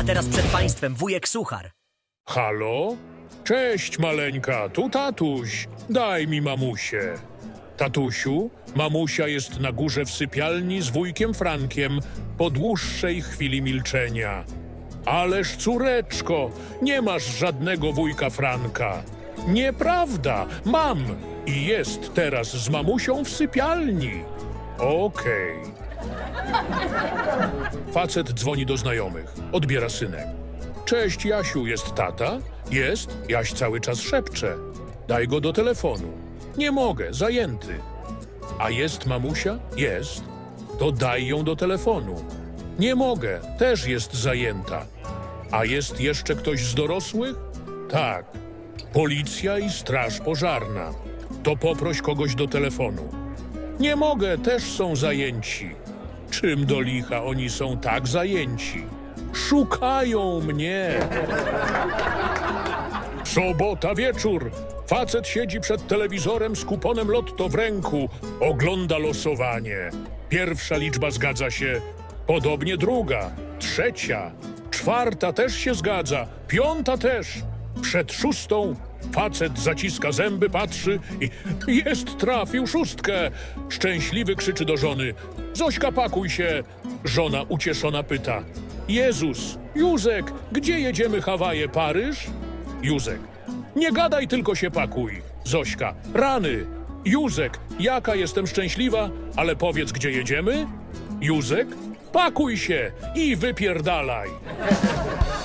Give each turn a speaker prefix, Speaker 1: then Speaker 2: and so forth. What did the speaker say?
Speaker 1: A teraz przed państwem wujek Suchar.
Speaker 2: Halo? Cześć, maleńka, tu tatuś. Daj mi mamusię. Tatusiu, mamusia jest na górze w sypialni z wujkiem Frankiem po dłuższej chwili milczenia. Ależ córeczko, nie masz żadnego wujka Franka. Nieprawda, mam i jest teraz z mamusią w sypialni. Okej. Facet dzwoni do znajomych. Odbiera synek. Cześć, Jasiu, jest tata? Jest. Jaś cały czas szepcze. Daj go do telefonu. Nie mogę, zajęty. A jest mamusia? Jest. To daj ją do telefonu. Nie mogę, też jest zajęta. A jest jeszcze ktoś z dorosłych? Tak. Policja i straż pożarna. To poproś kogoś do telefonu. Nie mogę, też są zajęci. Czym do licha oni są tak zajęci? Szukają mnie. Sobota wieczór. Facet siedzi przed telewizorem z kuponem lotto w ręku. Ogląda losowanie. Pierwsza liczba zgadza się. Podobnie druga, trzecia, czwarta też się zgadza. Piąta też. Przed szóstą facet zaciska zęby, patrzy i jest, trafił szóstkę. Szczęśliwy krzyczy do żony. Zośka, pakuj się. Żona ucieszona pyta. Jezus, Józek, gdzie jedziemy, Hawaje, Paryż? Józek. Nie gadaj, tylko się pakuj. Zośka. Rany. Józek. Jaka jestem szczęśliwa, ale powiedz, gdzie jedziemy? Józek. Pakuj się i wypierdalaj.